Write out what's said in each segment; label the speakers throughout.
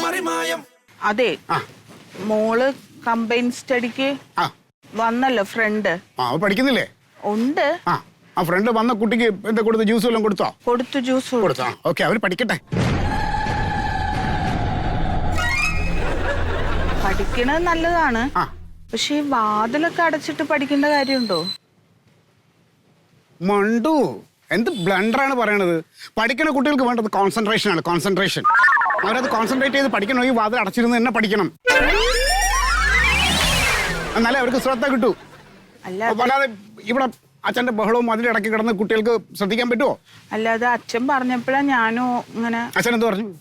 Speaker 1: അതെ മോള് കമ്പൈൻ സ്റ്റഡിക്ക് വന്നല്ലോ ഫ്രണ്ട്.
Speaker 2: പഠിക്കുന്നില്ലേ?
Speaker 1: ഉണ്ട്.
Speaker 2: ആ ഫ്രണ്ട് വന്ന കുട്ടിക്ക് എന്താ കൊടുത്ത ജ്യൂസ് വല്ലതും കൊടുത്തോ?
Speaker 1: കൊടുത്തു, ജ്യൂസ് കൊടുത്തോ.
Speaker 2: ഓക്കെ, അവര് പഠിക്കട്ടെ.
Speaker 1: പഠിക്കണത് നല്ലതാണ്. പക്ഷെ ഈ വാതിലൊക്കെ അടച്ചിട്ട് പഠിക്കേണ്ട കാര്യമുണ്ടോ?
Speaker 2: മണ്ടു, എന്ത് ബ്ലണ്ടറാണ് പറയണത്. പഠിക്കുന്ന കുട്ടികൾക്ക് വേണ്ടത് കോൺസെൻട്രേഷൻ ആണ്. കോൺസെൻട്രേഷൻ. അവരത് കോൺസെൻട്രേറ്റ് ചെയ്ത് പഠിക്കണം. ഈ വാതിൽ അടച്ചിരുന്ന് തന്നെ പഠിക്കണം. എന്നാലേ അവർക്ക് ശ്രദ്ധ കിട്ടൂ. അല്ലാതെ ഇവിടെ അച്ഛന്റെ ബഹളവും അതിലിടയ്ക്ക് കിടന്ന് കുട്ടികൾക്ക് ശ്രദ്ധിക്കാൻ പറ്റുമോ?
Speaker 1: അല്ലാതെ അച്ഛൻ പറഞ്ഞപ്പോഴാ ഞാനും ഇങ്ങനെ.
Speaker 2: അച്ഛൻ എന്ത് പറഞ്ഞു?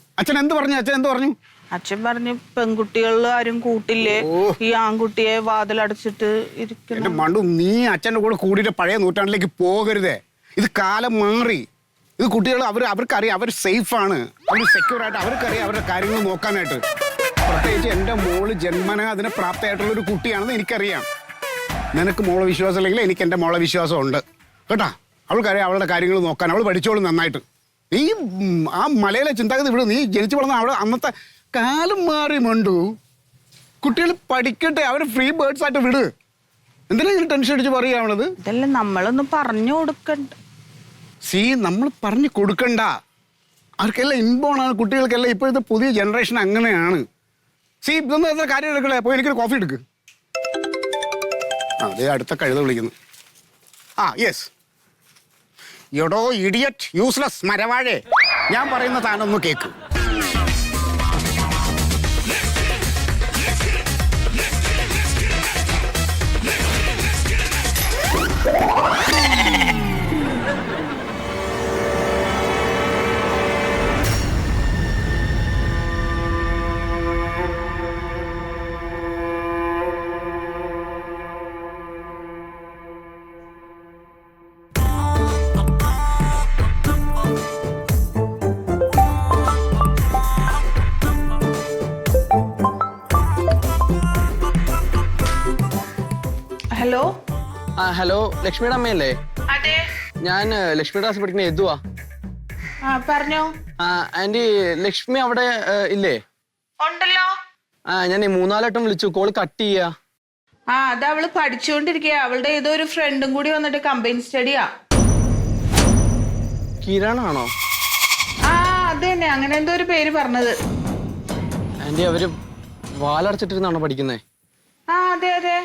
Speaker 1: അച്ഛൻ പറഞ്ഞു പെൺകുട്ടികളിൽ ആരും കൂട്ടില്ലേ, ഈ ആൺകുട്ടിയെ വാതിലടച്ചിട്ട് ഇരിക്കണം.
Speaker 2: മണ്ടു, നീ അച്ഛൻ്റെ കൂടെ കൂടിയിട്ട് പഴയ നൂറ്റാണ്ടിലേക്ക് പോകരുതേ. ഇത് കാലം മാറി. ഇത് കുട്ടികൾ അവർക്കറിയാം അവർ സേഫാണ്, അവർ സെക്യൂർ ആയിട്ട് അവർക്കറിയാം അവരുടെ കാര്യങ്ങൾ നോക്കാനായിട്ട്. പ്രത്യേകിച്ച് എൻ്റെ മോള് ജന്മന അതിന് പ്രാപ്തമായിട്ടുള്ളൊരു കുട്ടിയാണെന്ന് എനിക്കറിയാം. നിനക്ക് മോളെ വിശ്വാസം ഇല്ലെങ്കിൽ എനിക്ക് എൻ്റെ മോളെ വിശ്വാസം ഉണ്ട് കേട്ടാ. അവൾക്കറിയാം അവളുടെ കാര്യങ്ങൾ നോക്കാൻ. അവൾ പഠിച്ചോളും നന്നായിട്ട്. നീ ആ മലയിലെ ചിന്താഗതി വിടും. നീ ജനിച്ചു വളർന്ന അവിടെ അന്നത്തെ കാലം മാറി മണ്ടു. കുട്ടികൾ പഠിക്കട്ടെ, അവർ ഫ്രീ ബേർഡ്സ് ആയിട്ട് വിട്. എന്തിനാ ഇങ്ങനെ ടെൻഷൻ അടിച്ച് പറയാവണത്?
Speaker 1: ഇതെല്ലാം നമ്മളൊന്നും പറഞ്ഞു കൊടുക്കണ്ട.
Speaker 2: നമ്മൾ പറഞ്ഞു കൊടുക്കണ്ട. അവർക്കെല്ലാം ഇൻബോണാണ്. കുട്ടികൾക്കെല്ലാം ഇപ്പോഴത്തെ പുതിയ ജനറേഷൻ അങ്ങനെയാണ്. ഇതൊന്നും എത്ര കാര്യം എടുക്കണേ. പോയി എനിക്കൊരു കോഫി എടുക്ക്. അതേ അടുത്ത കഴുത വിളിക്കുന്നു. യെസ്. എടോ ഇഡിയറ്റ്, യൂസ്ലെസ് മരവാഴേ, ഞാൻ പറയുന്ന താനൊന്ന് കേക്ക്.
Speaker 1: ഹലോ.
Speaker 3: ഹലോ, ലക്ഷ്മിയുടെ അമ്മയല്ലേ?
Speaker 1: അതെ,
Speaker 3: ഞാൻ ലക്ഷ്മിയുടെ ക്ലാസ് പഠിക്കുന്ന യദുവാ.
Speaker 1: പറഞ്ഞോ.
Speaker 3: ആന്റി, ലക്ഷ്മി അവിടെ ഇല്ലേ?
Speaker 1: ഉണ്ടല്ലോ.
Speaker 3: ഞാൻ 3-4 വട്ടം വിളിച്ചു, കോള് കട്ട് ചെയ്യാ.
Speaker 1: അത് അവള് പഠിച്ചുകൊണ്ടിരിക്കുക. അവളുടെ ഏതോ ഒരു ഫ്രണ്ടും കൂടി വന്നിട്ട് കമ്പൈൻ സ്റ്റഡിയാ.
Speaker 3: കിരണാണോ?
Speaker 1: അത് തന്നെ, അങ്ങനെ എന്തോ ഒരു പേര് പറഞ്ഞത്.
Speaker 3: ആന്റി, അവര് വാലടച്ചിട്ടിരുന്നാണോ പഠിക്കുന്നേ?
Speaker 1: അതെ അതെ.